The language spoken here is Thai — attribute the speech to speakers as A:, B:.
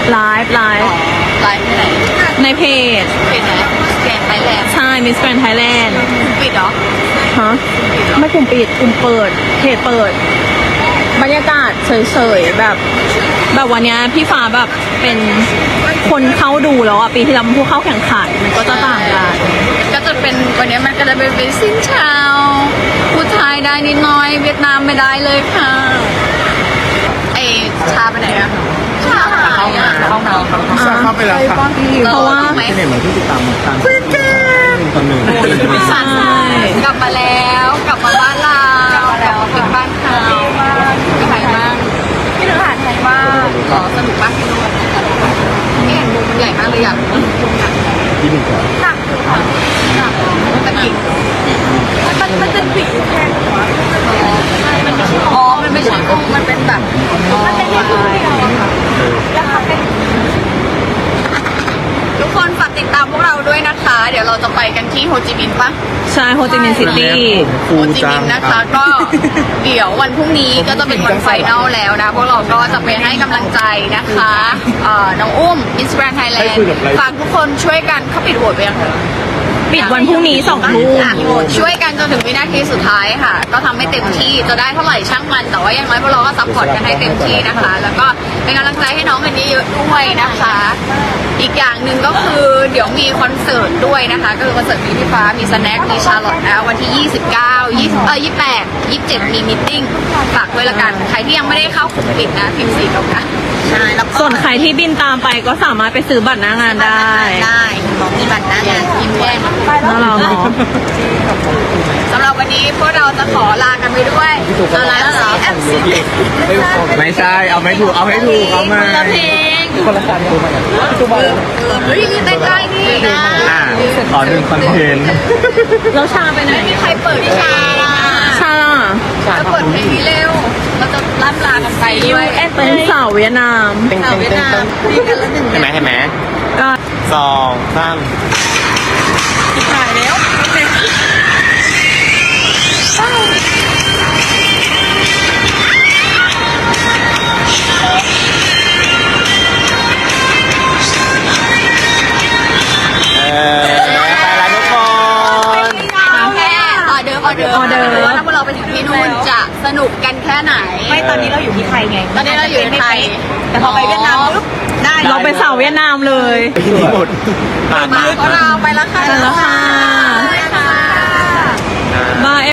A: ไลฟ์
B: ไลฟ์ที่ไหน
A: ในเพจ
B: เพจไหนแกนไทยแลนด์
A: ใช่ Miss Grand Thailand
B: ปิดเหรอ
A: ฮะไม่กลุ่มปิดกลุ่มเปิดเพจเปิด บรรยากาศเฉยๆแบบวันเนี้ยพี่ฟ้าแบบเป็นคนเข้าดูแล้วอ่ะปีที่แล้วมันผู้เข้าแข่งขันมันก็จะต่างกัน
B: ก็จะเป็นวันนี้มันก็จะเป็นสินเชาวพูดไทยได้นิดหน่อยเวียดนามไม่ได้เลยค่ะไอชาไปไหนอะชาหายอะ
C: เข้าไปแล้วค่ะ
A: เพราะว่า
B: ไหม
C: เนี่ยเหมือนที่ติดตามการตอนหนึ่ง
A: ใช่
B: กลับมาแล้วกลับมาบ้านเราเป็นบ้านเขาเป็นไงบ้างพี่ทหารไทยบ้างสนุกมากที่นู่นเนี่ยมุมใหญ่มากเลยอยาก
C: ที่หนึ่งก่อน
B: หนักอยู่ค่ะหนักมันจะกิ่งมันจะกิ่งแค่หัวอ๋อมันไม่ใช่กุ้งมันเป็นแบบมันเป็นแค่กุ้งเดียวอะค่ะแล้วทำเป็นทุกคนฝากติดตามพวกเราด้วยนะคะ เดี๋ยวเราจะไปกันที่โฮจิมินห์ปะ
A: ใช่โฮจิมินห์ซิตี้
B: โฮจิมินห์นะคะ ก็เดี๋ยววันพรุ่งนี้ก็จะเป็นวันไฟนอลแล้วนะ พวกเราก็จะไปให้กำลังใจนะคะน้องอุ้ม Miss Grand Thailand ฝากทุกคนช่วยกันเขาปิดโหวตไปยังไง
A: ปิดวันพรุ่งนี้2 ทุ่ม
B: ช่วยกันจนถึงวินาทีสุดท้ายค่ะ ก็ทำให้เต็มที่จะได้เท่าไหร่ช่างมัน แต่ว่าอย่างน้อยพวกเราก็ซัพพอร์ตกันให้เต็มที่นะคะ แล้วก็เป็นกำลังใจให้น้องกันเยอะๆด้วยนะคะ อีกอย่างหนึ่งก็คือเดี๋ยวมีคอนเสิร์ตด้วยนะคะ ก็คือคอนเสิร์ตมีพี่ฟ้ามีสแน็คมีชาร์ลอตนะวันที่ 28 27 มีมิทติ้งฝากไว้ละกันใครที่ยังไม่ได้เข้ากลุ่มปิดนะพิมพ์สีกับนะใช่แล้วก็
A: ส่วนใครที่บินตามไปก็สามารถไปซื้อบัตรหน้างานได้
B: ได้บอกมีบัตรหน้างานพิมพ์แจ้ง
A: น่ารักเนาะ
B: สำหรับวันนี้พวกเราจะขอลากันไปด้วยเอาละเหรอ
C: ไม่ใช่เอาไม่ถูกเอาให้ถูกเอามา
B: คนละเพลง
C: คนละการดูมาอย่าง
B: เฮ้ยใกล้ๆนี่นะ
C: ต่อหนึ่งคอนเทนต์
A: แล้วชาไปไหน
B: ไม่มีใครเปิดวิชาล่ะ
A: ชาล่ะ
B: จะเปิดเพลงนี้เร็วเราจะล่ำลากันไปด้วย
A: เป็นสาวเวียดนาม
B: สาวเวียดนามมีกันละหนึ่ง
C: เห็นไหมเห็นไหม
A: ก็
C: สองสาม
B: ถ่ายแล้ว
C: ไปแล้วทุกคน
B: แค่ออเดิร์ฟถ้าพวกเราไปถึงที่นู่นจะสนุกกันแค่ไหน
D: ไม่ตอนนี้เราอยู่ที่ไทยไง
B: ตอนนี้เราอยู่ในไทย
D: แต่พอไปเวียดนามปุ๊บได้
A: เราไปสาวเวียดนามเลย
C: ไปที่หมดผ่านมา
B: พวกเราไปแล้วค่ะ
A: ไปแล้วค่ะ
B: ไปค่ะ
A: บาย